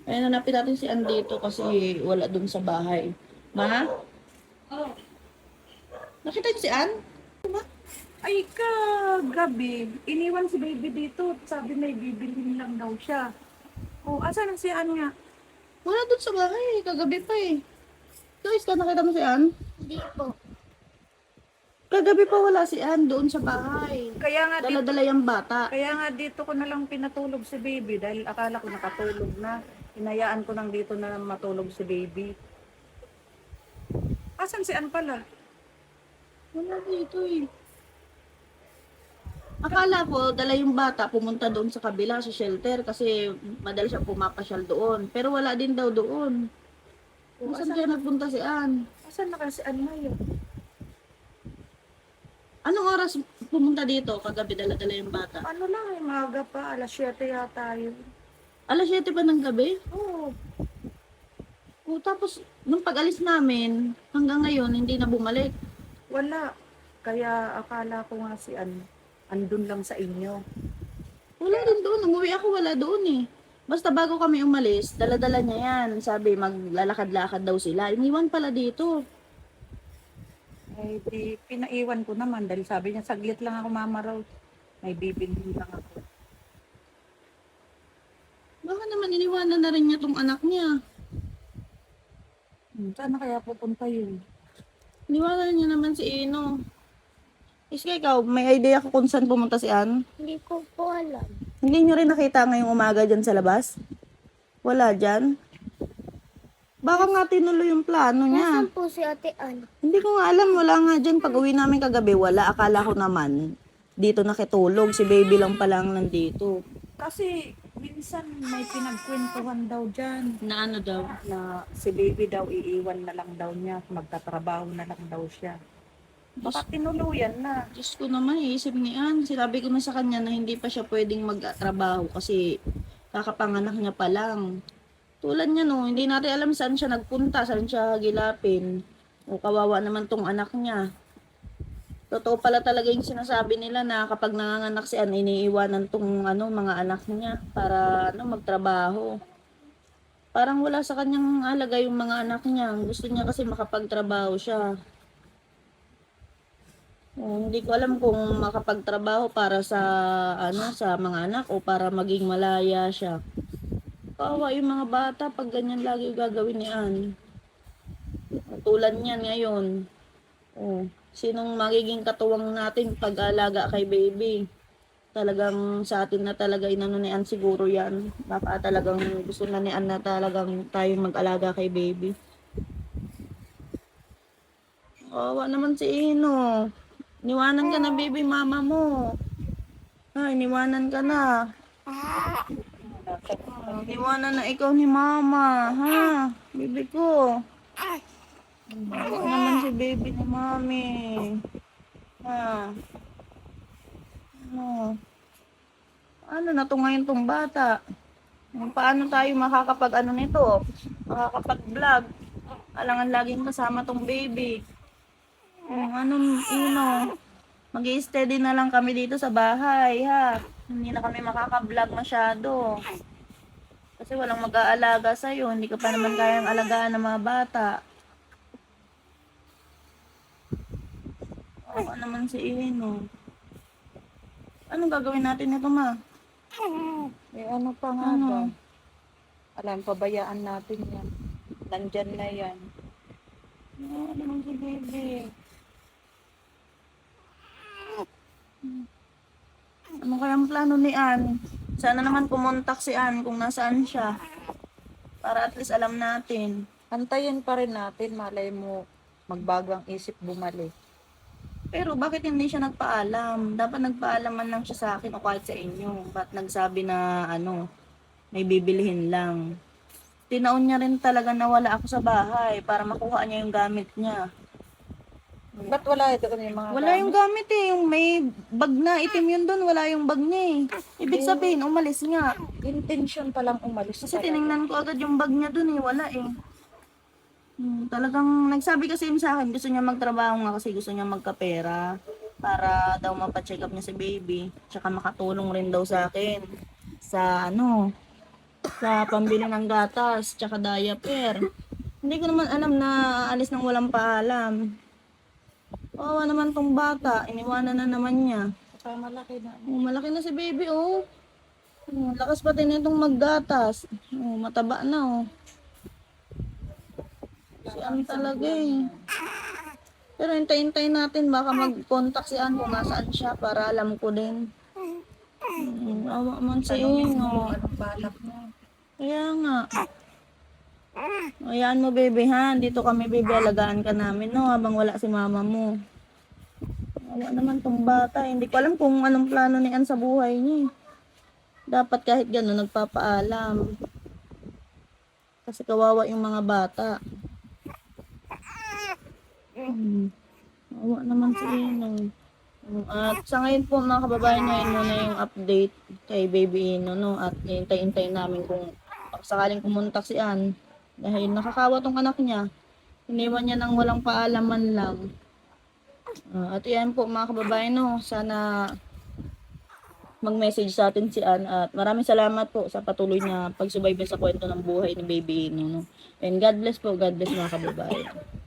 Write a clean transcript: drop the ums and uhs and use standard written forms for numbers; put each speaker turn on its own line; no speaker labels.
Ayun, hanapin natin si Ann dito kasi wala dun sa bahay. Ma?
Oh,
Nakita niyo si Ann?
ay kagabi, iniwan si baby dito. Sabi may bibilhin lang daw siya. Oh, asan na si Anya?
Wala dun sa bahay. Kagabi pa eh. Guys, ka nakita mo si Ann?
Hindi po.
Kagabi pa wala si Ann doon sa bahay.
Kaya nga dito,
Dala-dala yung bata.
ko na lang pinatulog si baby dahil akala ko nakatulog na. Hinayaan ko lang dito na matulog si baby. Asan si An pala?
Wala dito eh. Akala ko, dala yung bata, pumunta doon sa kabila, sa shelter, kasi madalas siya pumapasyal doon. Pero wala din daw doon.
Oh,
Saan kaya nagpunta si Ann?
asan na kasi si An ngayon?
Anong oras pumunta dito? Kagabi dala-dala yung bata.
Ano lang eh, maaga pa, alas 7 yata yun.
Alas 7 pa ng gabi?
Oo,
O, tapos, nung pag-alis namin, hanggang ngayon, hindi na bumalik.
wala. Kaya akala ko nga si An, andun lang sa inyo.
Wala din doon. Umuwi ako, wala doon eh. Basta bago kami umalis, dala-dala niya yan. Sabi, maglalakad-lakad daw sila. Iniwan pala dito.
Eh, di, pinaiwan ko naman dahil sabi niya, saglit lang ako mama raw. May bibilhin lang ako.
Baka naman iniwanan na rin niya tong anak niya.
Saan na kaya pupunta yun?
Iniwanan niya naman si Ino. Iska, ikaw, may idea ko kung saan pumunta si Ann?
Hindi ko po alam.
Hindi nyo rin nakita ngayong umaga dyan sa labas? Wala dyan? Baka nga tinuloy yung plano niya.
Nasaan po si Ate Ann?
Hindi ko nga alam, wala nga dyan. Pag uwi namin kagabi, wala. Akala ko naman, dito nakitulog. Si baby lang pala ang nandito.
Kasi minsan may pinagkwentuhan daw dyan
Na ano daw?
na si baby daw iiwan na lang daw niya, magtatrabaho na lang daw siya. Baka tinuluyan na.
Diyos ko naman, iisip ni Ann. Sinabi ko na sa kanya na hindi pa siya pwedeng magtrabaho kasi kakapanganak niya pa lang. Tulad niya no, hindi natin alam saan siya nagpunta, saan siya gilapin. O kawawa naman tong anak niya. Totoo pala talaga yung sinasabi nila na kapag nanganganak si Ann, iniiwanan tong ano, mga anak niya para ano, magtrabaho. Parang wala sa kanyang alaga yung mga anak niya. Gusto niya kasi makapagtrabaho siya. Hindi ko alam kung makapagtrabaho para sa ano sa mga anak o para maging malaya siya. Kawawa yung mga bata pag ganyan lagi yung gagawin ni Ann. Tulad niyan ngayon. Oh, sinong magiging katuwang natin pag-alaga kay baby? Talagang sa atin na talaga inano ni Ann siguro yan. Baka talagang gusto na ni Ann na talagang tayong mag-alaga kay baby. Kawawa naman si Ino. Niwanan ka na baby mama mo. Ay, niwanan ka na. Niwanan na ikaw ni mama, ha? Baby ko. Bawa naman si baby ni mami. Ha? Ano? Ano na to ngayon tong bata? Paano tayo makakapag ano nito? Makakapag-vlog? Alangan laging kasama tong baby. Anong ino? Mag-i-steady na lang kami dito sa bahay, ha? Hindi na kami makaka-vlog masyado. Kasi walang mag-aalaga sa'yo. Hindi ka pa naman kayang alagaan ng mga bata. Oo naman si Ino. Anong gagawin natin nito, ma?
Eh ano pa nga
Ano?
ba? Alam, pabayaan natin yan. Nandyan na yan.
Oo naman si baby. Ano kayang plano ni Ann? Sana naman kumontak si Ann kung nasaan siya. Para at least alam natin.
Antayin pa rin natin, malay mo magbago ang isip bumalik.
Pero bakit hindi siya nagpaalam? Dapat nagpaalam man lang siya sa akin o kahit sa inyo. Ba't nagsabi na ano, may bibilihin lang? Tinaon niya rin talaga na wala ako sa bahay para makuha niya yung gamit niya.
Ba't wala ito yung mga
Wala yung gamit eh. Yung may bag na itim yun doon. Wala yung bag niya eh. Ibig sabihin, umalis nga.
intention pa lang umalis
Kasi
talaga.
tiningnan ko agad yung bag niya doon eh. Wala eh. Talagang nagsabi kasi yun sa akin, gusto niya magtrabaho nga kasi gusto niya magkapera para daw mapacheck up niya si baby. Tsaka makatulong rin daw sa akin sa ano, sa pambili ng gatas, tsaka diaper. Hindi ko naman alam na aalis nang walang paalam. Kawawa naman tong bata, iniwanan na naman niya.
Saka malaki na.
Oh, malaki na si baby, oh. Oh, lakas pati na itong maggatas. Oh, mataba na, oh. Si Ann talaga, eh. Pero hintayin natin, baka mag-contact si Ann kung nasaan siya para alam ko din. Awa man si Ino.
Anong balak mo?
Kaya nga. Ayan mo, baby, ha? Dito kami, baby, alagaan ka namin, no? Habang wala si mama mo. Awa naman tong bata. Hindi ko alam kung anong plano ni Ann sa buhay niya. Dapat kahit gano'n, nagpapaalam. Kasi kawawa yung mga bata. Awa naman si Ino. At sa ngayon po mga kababayan, ngayon muna yung update kay Baby Ino, no? At hintay-hintay namin kung sakaling pumuntak si Ann. Dahil nakakawa tong anak niya. Iniwan niya nang walang paalaman lang. At yan po mga kababayan, no? Sana mag-message sa atin si Ann. At maraming salamat po sa patuloy na pagsubaybay sa kwento ng buhay ni Baby Ino, no? And God bless po. God bless mga kababayan.